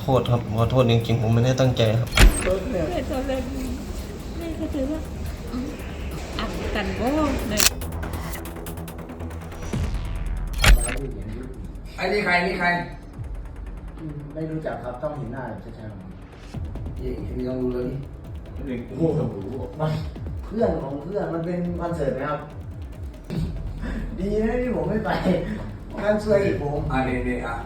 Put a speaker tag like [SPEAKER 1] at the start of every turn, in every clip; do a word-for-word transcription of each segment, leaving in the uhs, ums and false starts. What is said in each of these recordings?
[SPEAKER 1] ษครับขอโทษจริงๆผมไม่ได้ตั้งใจครับ
[SPEAKER 2] แม่ตอนแรกแม่ก็ถือว่าอัดกันโว้เลย
[SPEAKER 3] ไอ้นี่ใครนี่ใคร
[SPEAKER 4] ไม่รู้จักครับต้องเห็นหน้าชัดๆ
[SPEAKER 3] ยี่พี่ต้องรู้เลยนี่
[SPEAKER 4] โอ้โหมันเพื่อนของเพื่อนมันเป็นคอนเสิร์ตไหมครับ ดีนะที่ผมไม่ไปงานช่วยอีกผม
[SPEAKER 3] อ่าเนี่ยเนี่ยอ่ะ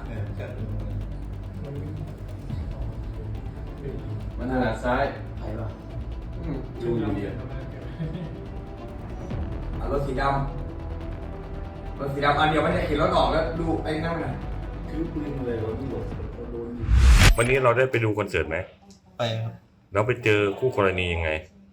[SPEAKER 3] มันถนัดซ้าย
[SPEAKER 4] ไปปะ
[SPEAKER 3] ดูอยู่ดีอ่ะรถสีดำรถสีดำอันเดียวไม่ได้ขี่รถออกแล้วดูไอ้นั่นน่ะคือปืนเลยรถที่หลบโดน
[SPEAKER 5] วันนี้เราได้ไปดูคอนเสิร์ตไหม
[SPEAKER 1] ไปครับ
[SPEAKER 5] แล้วไปเจอคู่กรณียังไง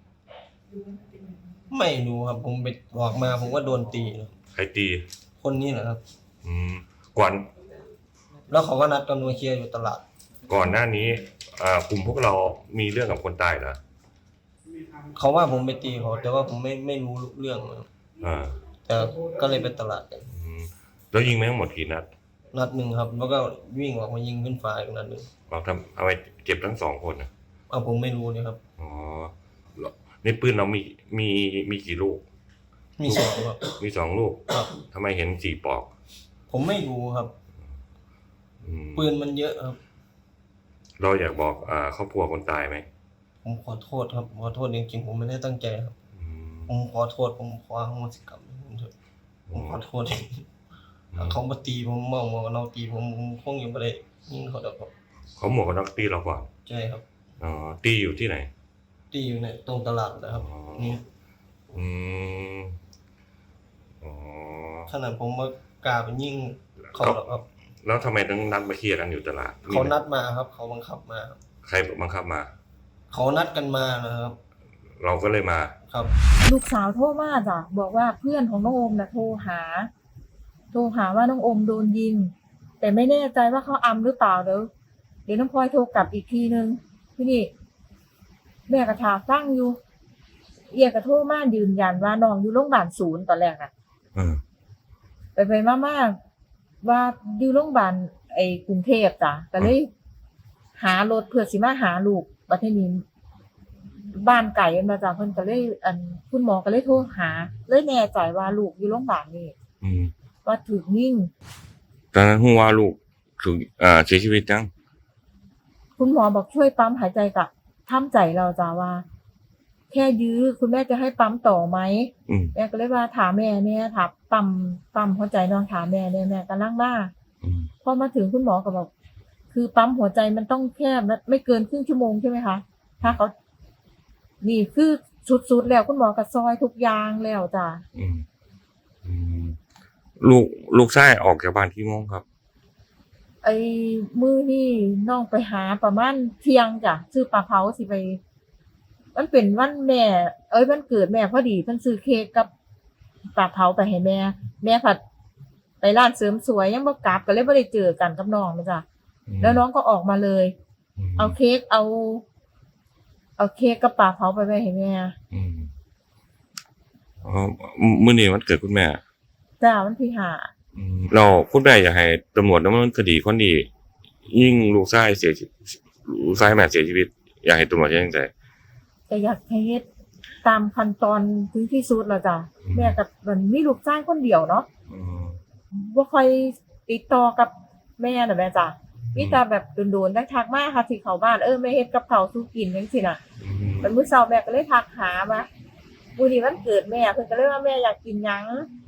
[SPEAKER 1] ไม่รู้ครับผมไปออกมาผมก็โดนตีนะ
[SPEAKER 5] ใครตี
[SPEAKER 1] คนนี้แหละครับ
[SPEAKER 5] อืมก่อน
[SPEAKER 1] แล้วเขาก็นัดกันมาเคลียร์อยู่ตลาด
[SPEAKER 5] ก่อนหน้านี้อ่ากลุ่มพวกเรามีเรื่องกับคนตายเหรอ
[SPEAKER 1] เขาว่าผมไปตีเขาแต่ว่าผมไม่ไม่รู้เรื่องครับ
[SPEAKER 5] อ่า
[SPEAKER 1] แต่ก็เลยไปตลาดกัน
[SPEAKER 5] อืมแล้วยิงไปทั้งหมดกี่นัด
[SPEAKER 1] นัดหนึ่งครับ แล้วก็วิ่งออกมายิงขึ้นฟ้าอีกนัดหนึ่ง
[SPEAKER 5] เราทำเอาไปเจ็บทั้งสองคนนะ
[SPEAKER 1] เอาผมไม่รู้เนี่ยครับ
[SPEAKER 5] อ๋อแล้วในปืนเรามีมีมีกี่ลูก
[SPEAKER 1] มีสองครับ
[SPEAKER 5] มีสองลูก
[SPEAKER 1] ครับ
[SPEAKER 5] ทำไมเห็นสี่ปลอก
[SPEAKER 1] ผมไม่รู้ครับ
[SPEAKER 5] อืม
[SPEAKER 1] ปืนมันเยอะครับ
[SPEAKER 5] เราอยากบอกอ่าครอบครัวคนตายไหม
[SPEAKER 1] ผมขอโทษครับขอโทษจริงๆผมไม่ได้ตั้งใจครับ
[SPEAKER 5] อืม
[SPEAKER 1] ผมขอโทษผมขออโหสิกรรมผมเถอะผมขอโทษถ้าเขามาตีผมเมาหมวกกันน็อกตีผมผมคงยังไม่ได้ยิงเขาดอกครับ
[SPEAKER 5] เขาหมวกกันน็อกตีเราก่อน
[SPEAKER 1] ใช่ครับ
[SPEAKER 5] อ๋อตีอยู่ที่ไหน
[SPEAKER 1] ตีอยู่ในตรงตลาดนะครับ
[SPEAKER 5] อ๋อ
[SPEAKER 1] นี่
[SPEAKER 5] อืมอ๋อ
[SPEAKER 1] ขนาดผมมากล้าไปยิงเขาดอกครับ
[SPEAKER 5] แล้วทำไมต้องนัดมาเคลียร์กันอยู่ตลาด
[SPEAKER 1] เขานัดมาครับ เขาบังคับมาครับ
[SPEAKER 5] ใครบังคับมา
[SPEAKER 1] เขานัดกันมานะครับ
[SPEAKER 5] เราก็เลยมา
[SPEAKER 1] ครับ
[SPEAKER 2] ลูกสาวโทรมาจ้ะบอกว่าเพื่อนของน้องโอมน่ะโทรหา โทรหาว่าน้องโอมโดนยิง แต่ไม่แน่ใจว่าเขาอำหรือเปล่าเดี๋ยวเดี๋ยวน้องพลอยโทรกลับอีกทีนึงที่นี่แม่กระถาฟังอยู่ เอียกระโทรมายืนยันว่าน้องอยู่โรงพยาบาลศูนย์ตอนแรกน่ะ
[SPEAKER 5] อืม
[SPEAKER 2] ไปไปมามาว่าอยู่โรงพยาบาลไอ้กรุงเทพจ้ะก็เลยหารถเพื่อสิมาหาลูกประเทศนี้บ้านไก่มาจากเพิ่นก็เลยอันคุณหมอก็เลยโทรหาเลยแน่ใจว่าลูกอยู่โรงพยาบาลนี่
[SPEAKER 5] อืม
[SPEAKER 2] ว่าถูกยิง
[SPEAKER 5] ตอนนั้นฮู้ว่าลูกถูกอ่าเสียชีวิตจัง
[SPEAKER 2] คุณหมอบอกช่วยปั๊มหายใจกับทำใจเราจ้ะว่า แค่ยื้อคุณแม่จะให้ปั๊มต่อไหม
[SPEAKER 5] อืม
[SPEAKER 2] แม่ก็เลยว่าถามแม่เนี่ยถามปั๊มปั๊มหัวใจน้องถามแม่เนี่ยแม่กำลังมา
[SPEAKER 5] อืม
[SPEAKER 2] พอมาถึงคุณหมอก็บอกคือปั๊มหัวใจมันต้องแค่ไม่เกินครึ่งชั่วโมงใช่ไหมคะถ้าเขานี่คือสุดๆแล้วคุณหมอก็ซอยทุกอย่างแล้วจ้ะ
[SPEAKER 5] อืมอืมลูกลูกชายออกจากบ้านกี่โมงครับ
[SPEAKER 2] ไอ้มือนี่น้องไปหาประมาณเที่ยงจ้ะซื้อปลาเผาสิไป มันเป็นวันแม่ เอ้ยวันเกิดแม่พอดีเพิ่นซื้อเค้กกับปลาเผาไปให้แม่ แม่ผัดไปร้านเสริมสวยยังบ่กลับก็เลยบ่ได้เจอกันกับน้องนะจ้ะแล้วน้องก็ออกมาเลย
[SPEAKER 5] ม
[SPEAKER 2] เอาเค้กเอา เอาเค้กกับปลาเผาไปไว้ให้แม่
[SPEAKER 5] อืมอ๋อมื้อนี้วันเกิดคุณแม่
[SPEAKER 2] จ้าวันที่ห้า
[SPEAKER 5] อืมเราคุณแม่อยากให้ตำรวจดำเนินคดีคนที่ยิ่งลูกชายเสียชีวิตลูกชายแม่เสียชีวิต อยากให้ตำรวจยังไง
[SPEAKER 2] แต่อยากให้เฮ็ดตามขั้นตอนถึงที่สุดแล้วจ้ะ
[SPEAKER 5] อืม
[SPEAKER 2] แม่กับมันมีลูกชายคนเดียวเนาะ
[SPEAKER 5] อืม
[SPEAKER 2] บ่ค่อยติดต่อกับแม่น่ะแม่จ้ะมีแต่แบบโดนๆได้ทักมาค่ะที่เข้าบ้านเออแม่เฮ็ดกับข้าวสู่กินจังซี่น่ะ
[SPEAKER 5] อืม
[SPEAKER 2] มันมื้อเช้าแม่ก็เลยทักหาว่ามื้อนี้วันเกิดแม่เพิ่นก็เลยว่าแม่อยากกินหยัง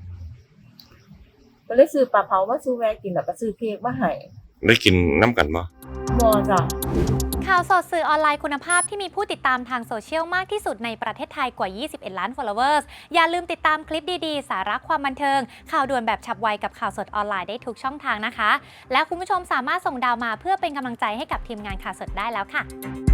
[SPEAKER 2] ก็เลยซื้อปลาเผามาสู่แม่กินแล้วก็ซื้อเค้กมาให้
[SPEAKER 5] ได้กินน้ำกันบ่
[SPEAKER 2] บ่จ้ะ
[SPEAKER 6] ข่าวสดสื่อออนไลน์คุณภาพที่มีผู้ติดตามทางโซเชียลมากที่สุดในประเทศไทยกว่า ยี่สิบเอ็ด ล้าน followers อย่าลืมติดตามคลิปดีๆ สาระความบันเทิง ข่าวด่วนแบบฉับไวกับข่าวสดออนไลน์ได้ทุกช่องทางนะคะ และคุณผู้ชมสามารถส่งดาวมาเพื่อเป็นกำลังใจให้กับทีมงานข่าวสดได้แล้วค่ะ